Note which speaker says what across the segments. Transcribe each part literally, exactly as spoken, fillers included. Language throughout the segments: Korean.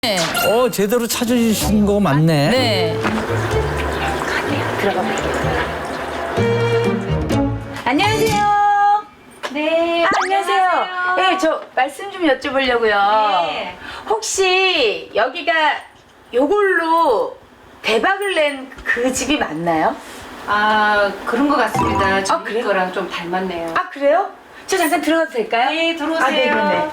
Speaker 1: 네.
Speaker 2: 어, 제대로 찾으신 거 맞네.
Speaker 1: 네.
Speaker 3: 들어가 볼게요. 안녕하세요.
Speaker 4: 네.
Speaker 3: 아, 안녕하세요. 네, 저 말씀 좀 여쭤보려고요.
Speaker 4: 네.
Speaker 3: 혹시 여기가 요걸로 대박을 낸 그 집이 맞나요?
Speaker 4: 아, 그런 것 같습니다. 저희
Speaker 3: 그래요?
Speaker 4: 거랑 좀 닮았네요.
Speaker 3: 아, 그래요? 저 잠깐 들어가도 될까요?
Speaker 4: 네, 들어오세요.
Speaker 3: 아, 네, 그러네.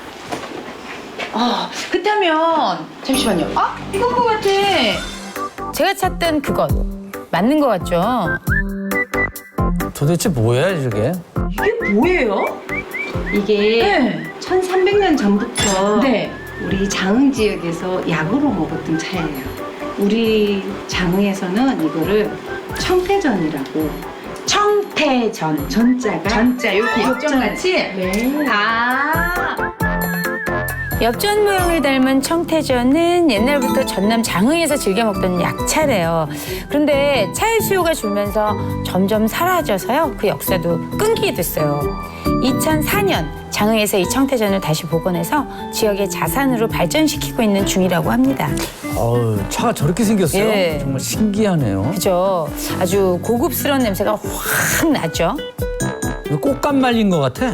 Speaker 3: 아, 그렇다면 잠시만요. 아, 이건 것 같아.
Speaker 1: 제가 찾던 그것 맞는 것 같죠?
Speaker 2: 도대체 뭐야, 이게?
Speaker 3: 이게 뭐예요?
Speaker 4: 이게
Speaker 3: 네.
Speaker 4: 천삼백 년 전부터
Speaker 3: 네.
Speaker 4: 우리 장흥 지역에서 약으로 먹었던 차예요. 우리 장흥에서는 이거를 청태전이라고
Speaker 3: 청태전.
Speaker 4: 전자가
Speaker 3: 전자, 이렇게 역전같이?
Speaker 4: 네.
Speaker 3: 아.
Speaker 1: 엽전 모양을 닮은 청태전은 옛날부터 전남 장흥에서 즐겨 먹던 약차래요. 그런데 차의 수요가 줄면서 점점 사라져서요. 그 역사도 끊기게 됐어요. 이천사 년 장흥에서 이 청태전을 다시 복원해서 지역의 자산으로 발전시키고 있는 중이라고 합니다.
Speaker 2: 어우, 차가 저렇게 생겼어요?
Speaker 1: 예.
Speaker 2: 정말 신기하네요.
Speaker 1: 그죠? 아주 고급스러운 냄새가 확 나죠?
Speaker 2: 이거 꽃감 말린 것 같아.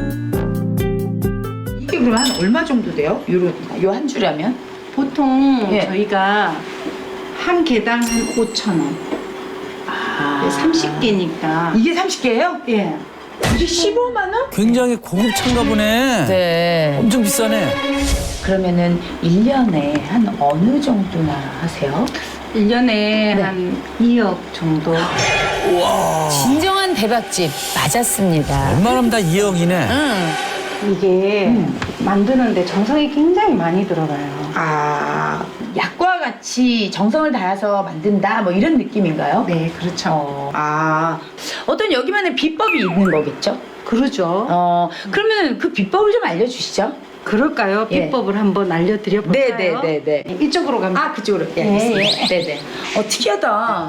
Speaker 3: 이게 그럼 한 얼마 정도 돼요? 요 한 줄이면?
Speaker 4: 보통
Speaker 3: 예.
Speaker 4: 저희가 한 개당 한 오천 원.
Speaker 3: 아.
Speaker 4: 삼십 개니까.
Speaker 3: 이게 삼십 개예요?
Speaker 4: 예.
Speaker 3: 이게 십오만 원?
Speaker 2: 굉장히 고급 차인가 보네.
Speaker 1: 네.
Speaker 2: 엄청 비싸네.
Speaker 3: 그러면은 일 년에 한 어느 정도나 하세요?
Speaker 4: 일 년에 한 이억 정도.
Speaker 1: 진정한 대박집 맞았습니다.
Speaker 2: 웬만하면 다 이억이네.
Speaker 1: 응.
Speaker 4: 이게 만드는데 정성이 굉장히 많이 들어가요.
Speaker 3: 아, 약과 같이 정성을 다해서 만든다 뭐 이런 느낌인가요?
Speaker 4: 네, 그렇죠.
Speaker 3: 어, 아, 어떤 여기만의 비법이 있는 거겠죠?
Speaker 4: 그러죠.
Speaker 3: 어, 그러면 그 비법을 좀 알려주시죠.
Speaker 4: 그럴까요?
Speaker 3: 예.
Speaker 4: 비법을 한번 알려드려 볼까요?
Speaker 3: 네네네네.
Speaker 4: 이쪽으로 가면.
Speaker 3: 아, 그쪽으로. 예,
Speaker 4: 예,
Speaker 3: 알겠습니다. 네네. 어, 특이하다.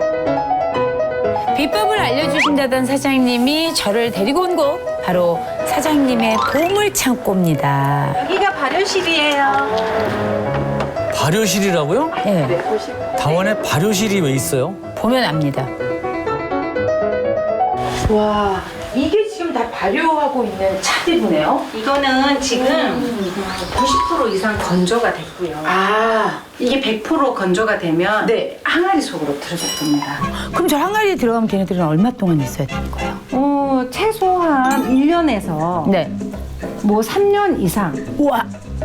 Speaker 1: 비법을 알려주신다던 사장님이 저를 데리고 온 곳 바로 사장님의 보물창고입니다.
Speaker 4: 여기가 발효실이에요.
Speaker 2: 발효실이라고요?
Speaker 1: 네,
Speaker 2: 당원에 발효실이 왜 있어요?
Speaker 1: 보면 압니다.
Speaker 3: 와, 이게 지금 다 발효하고 있는 차들이네요.
Speaker 4: 이거는 지금 구십 퍼센트 이상 건조가 됐고요.
Speaker 3: 아,
Speaker 4: 이게 백 퍼센트 건조가 되면
Speaker 3: 네.
Speaker 4: 항아리 속으로 들어갈 겁니다.
Speaker 1: 그럼 저 항아리에 들어가면 걔네들은 얼마 동안 있어야 되는 거예요?
Speaker 4: 어, 최소한 일 년에서
Speaker 1: 네.
Speaker 4: 뭐 삼 년 이상.
Speaker 1: 우와.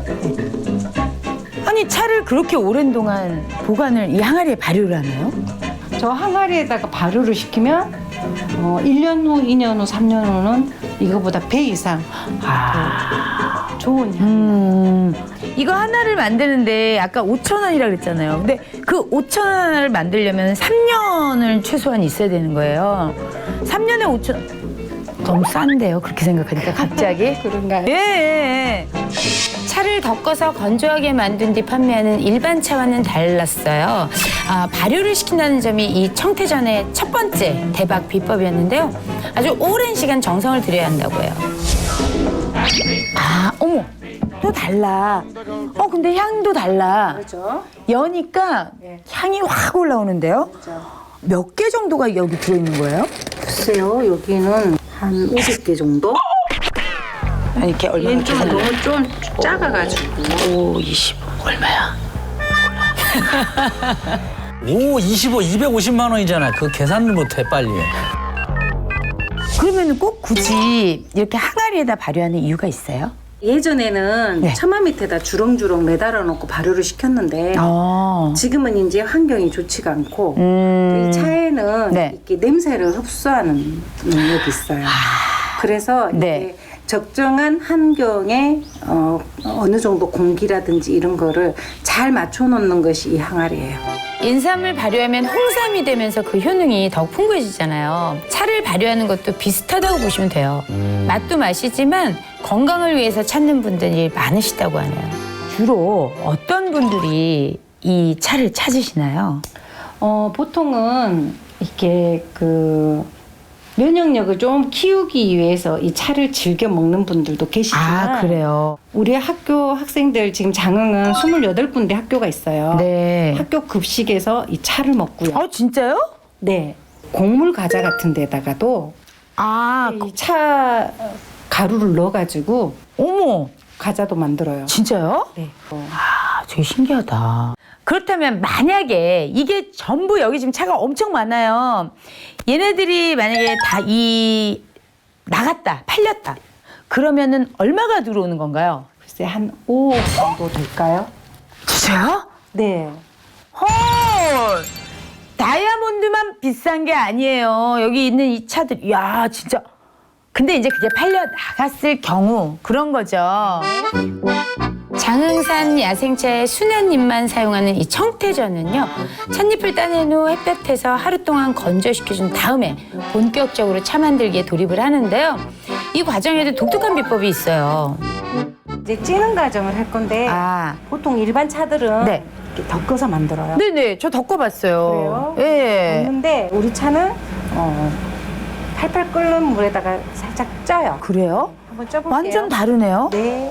Speaker 1: 아니 차를 그렇게 오랜 동안 보관을 이 항아리에 발효를 하나요?
Speaker 4: 저 항아리에다가 발효를 시키면 어, 일 년 후, 이 년 후, 삼 년 후는 이거보다 배 이상
Speaker 1: 아.
Speaker 4: 좋은 향.
Speaker 1: 음. 이거 하나를 만드는데 아까 오천 원이라 그랬잖아요. 근데 그 오천 원 하나를 만들려면 삼 년을 최소한 있어야 되는 거예요. 삼 년에 오천 원. 너무 싼데요. 그렇게 생각하니까 갑자기.
Speaker 4: 그런가요?
Speaker 1: 예, 예. 차를 덮어서 건조하게 만든 뒤 판매하는 일반 차와는 달랐어요. 아, 발효를 시킨다는 점이 이 청태전의 첫 번째 대박 비법이었는데요. 아주 오랜 시간 정성을 들여야 한다고 해요. 아, 어머, 또 달라. 어, 근데 향도 달라.
Speaker 4: 그렇죠.
Speaker 1: 여니까 향이 확 올라오는데요. 몇 개 정도가 여기 들어있는 거예요?
Speaker 4: 글쎄요, 여기는 한 오백 개 정도?
Speaker 1: 아니, 이렇게 얼마나
Speaker 4: 얘는 좀
Speaker 1: 계산을
Speaker 4: 너무 좀 작아가지고.
Speaker 1: 오, 이십오. 얼마야?
Speaker 2: 오, 이십오, 이백오십만 원이잖아. 그 계산을 못해, 빨리.
Speaker 1: 그러면 꼭 굳이 이렇게 항아리에다 발효하는 이유가 있어요?
Speaker 4: 예전에는
Speaker 1: 네.
Speaker 4: 처마 밑에다 주렁주렁 매달아 놓고 발효를 시켰는데
Speaker 1: 아.
Speaker 4: 지금은 이제 환경이 좋지가 않고
Speaker 1: 음.
Speaker 4: 이 차에는
Speaker 1: 네.
Speaker 4: 이렇게 냄새를 흡수하는 능력이 있어요. 그래서
Speaker 1: 네.
Speaker 4: 이게 적정한 환경에 어, 어느 정도 공기라든지 이런 거를 잘 맞춰 놓는 것이 이 항아리예요.
Speaker 1: 인삼을 발효하면 홍삼이 되면서 그 효능이 더욱 풍부해지잖아요. 차를 발효하는 것도 비슷하다고 보시면 돼요. 맛도 맛이지만 건강을 위해서 찾는 분들이 많으시다고 하네요. 주로 어떤 분들이 이 차를 찾으시나요?
Speaker 4: 어, 보통은 이렇게 그 면역력을 좀 키우기 위해서 이 차를 즐겨 먹는 분들도 계시지만
Speaker 1: 아, 그래요.
Speaker 4: 우리 학교 학생들 지금 장흥은 스물여덟 군데 학교가 있어요.
Speaker 1: 네.
Speaker 4: 학교 급식에서 이 차를 먹고요.
Speaker 1: 아, 진짜요?
Speaker 4: 네. 곡물 과자 같은 데다가도
Speaker 1: 아,
Speaker 4: 이 차 가루를 넣어가지고
Speaker 1: 어머,
Speaker 4: 과자도 만들어요.
Speaker 1: 진짜요?
Speaker 4: 네. 어.
Speaker 1: 아, 되게 신기하다. 그렇다면 만약에 이게 전부 여기 지금 차가 엄청 많아요. 얘네들이 만약에 다 이 나갔다, 팔렸다. 그러면은 얼마가 들어오는 건가요?
Speaker 4: 글쎄 한 오억 정도 될까요?
Speaker 1: 진짜요?
Speaker 4: 네.
Speaker 1: 헐! 다이아몬드만 비싼 게 아니에요. 여기 있는 이 차들, 야 진짜. 근데 이제 그게 팔려 나갔을 경우 그런 거죠. 장흥산 야생차의 순한 잎만 사용하는 이 청태전은요, 찻잎을 따낸 후 햇볕에서 하루 동안 건조시켜준 다음에 본격적으로 차 만들기에 돌입을 하는데요. 이 과정에도 독특한 비법이 있어요.
Speaker 4: 이제 찌는 과정을 할 건데
Speaker 1: 아,
Speaker 4: 보통 일반 차들은
Speaker 1: 네.
Speaker 4: 이렇게 덮어서 만들어요.
Speaker 1: 네네, 저 덮어봤어요.
Speaker 4: 그래요?
Speaker 1: 예.
Speaker 4: 덮는데 우리 차는 어, 팔팔 끓는 물에다가 살짝 쪄요.
Speaker 1: 그래요?
Speaker 4: 한번 쪄볼게요.
Speaker 1: 완전 다르네요.
Speaker 4: 네.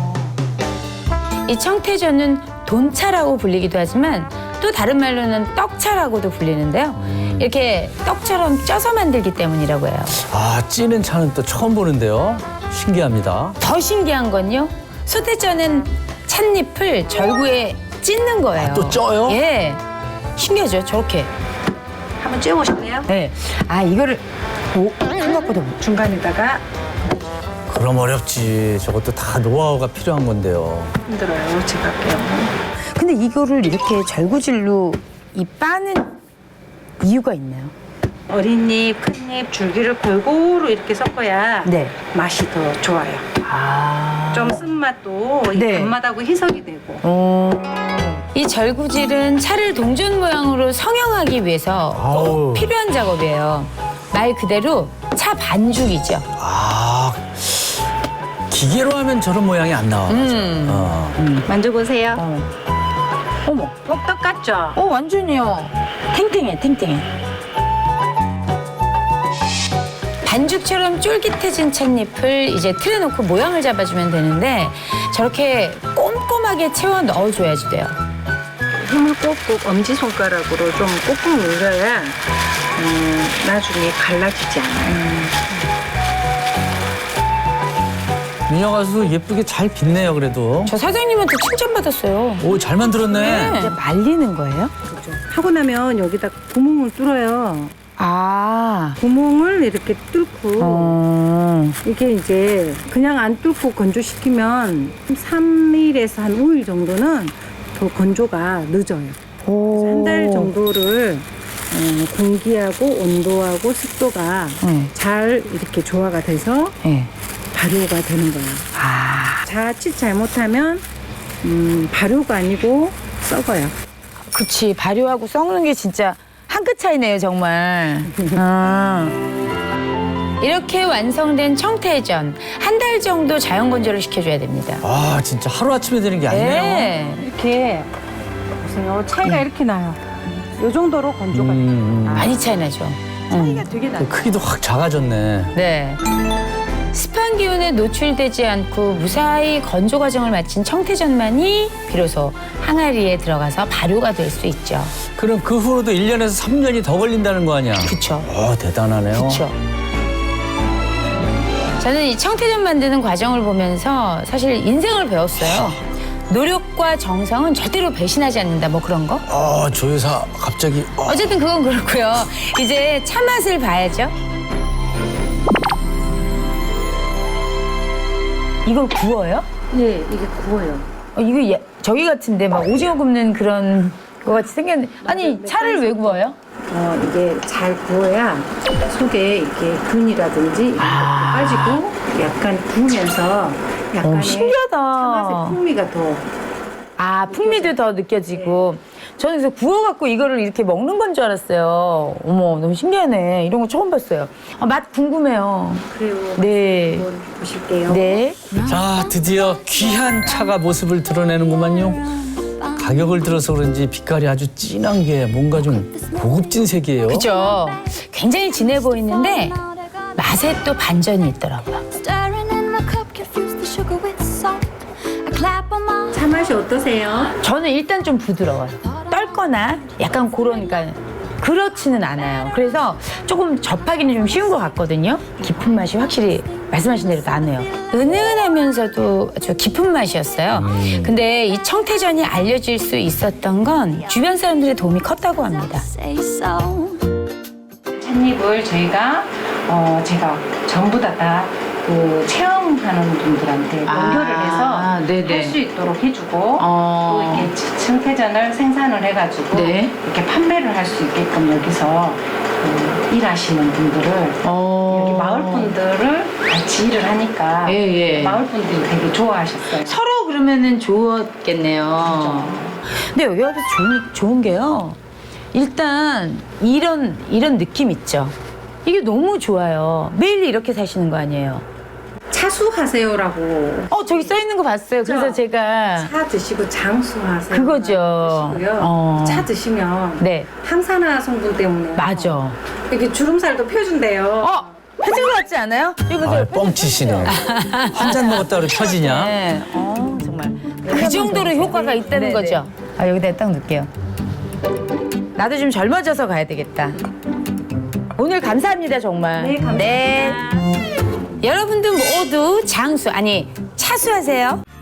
Speaker 1: 이 청태전은 돈차라고 불리기도 하지만 또 다른 말로는 떡차라고도 불리는데요. 이렇게 떡처럼 쪄서 만들기 때문이라고 해요.
Speaker 2: 아, 찌는 차는 또 처음 보는데요. 신기합니다.
Speaker 1: 더 신기한 건요. 소태전은 찻잎을 절구에 찢는 거예요.
Speaker 2: 아, 또 쪄요?
Speaker 1: 예. 신기하죠? 저렇게.
Speaker 4: 한번 쪄보실래요?
Speaker 1: 네. 아, 이거를 오, 생각보다
Speaker 4: 중간에다가
Speaker 2: 그럼 어렵지. 저것도 다 노하우가 필요한 건데요.
Speaker 4: 힘들어요. 제가 할게요.
Speaker 1: 근데 이거를 이렇게 절구질로 이 빠는 이유가 있나요?
Speaker 4: 어린 잎, 큰 잎, 줄기를 골고루 이렇게 섞어야
Speaker 1: 네.
Speaker 4: 맛이 더 좋아요.
Speaker 1: 아.
Speaker 4: 좀 쓴맛도 이
Speaker 1: 네.
Speaker 4: 단맛하고 희석이 되고.
Speaker 1: 어. 이 절구질은 차를 동전 모양으로 성형하기 위해서 꼭
Speaker 2: 아우.
Speaker 1: 필요한 작업이에요. 말 그대로 차 반죽이죠.
Speaker 2: 아, 기계로 하면 저런 모양이 안 나와.
Speaker 1: 음.
Speaker 2: 어.
Speaker 4: 만져보세요.
Speaker 1: 어. 어머,
Speaker 4: 복떡 같죠?
Speaker 1: 어 완전히요. 탱탱해, 탱탱해. 반죽처럼 쫄깃해진 찻잎을 이제 틀에 놓고 모양을 잡아주면 되는데 저렇게 꼼꼼하게 채워 넣어줘야지 돼요.
Speaker 4: 힘을 꼭꼭 엄지손가락으로 좀 꼭꼭 눌러야 음, 나중에 갈라지지 않아요.
Speaker 2: 민영 가수 예쁘게 잘 빚네요, 그래도.
Speaker 1: 저 사장님한테 칭찬받았어요.
Speaker 2: 오, 잘 만들었네.
Speaker 1: 이제 말리는 거예요?
Speaker 4: 그죠? 하고 나면 여기다 구멍을 뚫어요.
Speaker 1: 아.
Speaker 4: 구멍을 이렇게 뚫고
Speaker 1: 어.
Speaker 4: 이게 이제 그냥 안 뚫고 건조시키면 삼 일에서 한 오 일 정도는 더 건조가 늦어요.
Speaker 1: 오.
Speaker 4: 한 달 정도를 어, 공기하고 온도하고 습도가
Speaker 1: 네.
Speaker 4: 잘 이렇게 조화가 돼서
Speaker 1: 네.
Speaker 4: 발효가 되는 거예요.
Speaker 1: 아.
Speaker 4: 자칫 잘못하면 음, 발효가 아니고 썩어요.
Speaker 1: 그치. 발효하고 썩는 게 진짜 한 끗 차이네요, 정말. 아. 이렇게 완성된 청태전 한 달 정도 자연 건조를 시켜줘야 됩니다.
Speaker 2: 아, 진짜 하루아침에 되는 게 아니네요.
Speaker 1: 네.
Speaker 4: 이렇게 보세요. 차이가 이렇게 나요. 이 정도로 건조가 돼요.
Speaker 2: 음, 음.
Speaker 1: 많이 차이 나죠.
Speaker 4: 차이가 되게 나요.
Speaker 2: 크기도 확 작아졌네.
Speaker 1: 네. 습한 기운에 노출되지 않고 무사히 건조 과정을 마친 청태전만이 비로소 항아리에 들어가서 발효가 될 수 있죠.
Speaker 2: 그럼 그 후로도 일 년에서 삼 년이 더 걸린다는 거 아니야?
Speaker 1: 그쵸.
Speaker 2: 어, 대단하네요.
Speaker 1: 그쵸. 저는 이 청태전 만드는 과정을 보면서 사실 인생을 배웠어요. 노력과 정성은 절대로 배신하지 않는다, 뭐 그런 거.
Speaker 2: 어, 조 여사 갑자기. 어.
Speaker 1: 어쨌든 그건 그렇고요. 이제 차 맛을 봐야죠. 이걸 구워요?
Speaker 4: 네, 이게 구워요.
Speaker 1: 어, 이거 예, 저기 같은데 막 오징어 굽는 그런 거 같이 생겼는데. 아니, 차를 왜 구워요?
Speaker 4: 어, 이게 잘 구워야 속에 이렇게 균이라든지 이런
Speaker 1: 아.
Speaker 4: 것도 빠지고 약간 구우면서 약간의
Speaker 1: 어, 신기하다.
Speaker 4: 차맛의 풍미가 더
Speaker 1: 아, 풍미도 더 느껴지고. 저는 그래서 구워갖고 이거를 이렇게 먹는 건 줄 알았어요. 어머, 너무 신기하네. 이런 거 처음 봤어요. 아, 맛 궁금해요.
Speaker 4: 그래요.
Speaker 1: 네.
Speaker 4: 한번 보실게요.
Speaker 1: 네.
Speaker 2: 자, 드디어 귀한 차가 모습을 드러내는구만요. 가격을 들어서 그런지 빛깔이 아주 진한 게 뭔가 좀 고급진 색이에요.
Speaker 1: 그죠. 굉장히 진해 보이는데 맛에 또 반전이 있더라고요.
Speaker 5: Stirring in my cup, confuse the sugar with salt. I clap on my
Speaker 4: 차 맛이 어떠세요?
Speaker 1: 저는 일단 좀 부드러워요. 떨거나 약간 그런, 그러니까 그렇지는 않아요. 그래서 조금 접하기는 좀 쉬운 것 같거든요. 깊은 맛이 확실히 말씀하신 대로 나네요. 은은하면서도 아주 깊은 맛이었어요. 근데 이 청태전이 알려질 수 있었던 건 주변 사람들의 도움이 컸다고 합니다.
Speaker 5: say so.
Speaker 4: 찻잎을 저희가 어 제가 전부 다다그 체험하는 분들한테 연결을 해서
Speaker 1: 네네.
Speaker 4: 할 수 있도록 해주고
Speaker 1: 어.
Speaker 4: 또 이렇게 청태전을 생산을 해가지고
Speaker 1: 네.
Speaker 4: 이렇게 판매를 할 수 있게끔 여기서 그 일하시는 분들을
Speaker 1: 어.
Speaker 4: 여기 마을 분들을 같이 일을 하니까
Speaker 1: 예, 예.
Speaker 4: 마을 분들이 되게 좋아하셨어요.
Speaker 1: 서로 그러면은 좋았겠네요. 근데 여기 와서 좋은, 좋은 게요. 일단 이런 이런 느낌 있죠. 이게 너무 좋아요. 매일 이렇게 사시는 거 아니에요?
Speaker 4: 차수하세요라고
Speaker 1: 어 저기 써 있는 거 봤어요. 그래서
Speaker 4: 그렇죠.
Speaker 1: 제가
Speaker 4: 차 드시고 장수하세요.
Speaker 1: 그거죠.
Speaker 4: 드시고요.
Speaker 1: 어.
Speaker 4: 차 드시면
Speaker 1: 네
Speaker 4: 항산화 성분 때문에
Speaker 1: 맞아.
Speaker 4: 이렇게 주름살도 펴준대요.
Speaker 1: 어 펴진 거 같지 않아요? 이거 보세요.
Speaker 2: 아, 뻥치시네. 한 잔 먹었다 그래 펴지냐?
Speaker 1: 네. 어 정말 그 정도로 효과가 있다는 거죠. 아 여기다 딱 넣을게요. 나도 좀 젊어져서 가야 되겠다. 오늘 감사합니다 정말.
Speaker 4: 네, 감사합니다.
Speaker 1: 네. 여러분들 모두 장수 아니 차수하세요.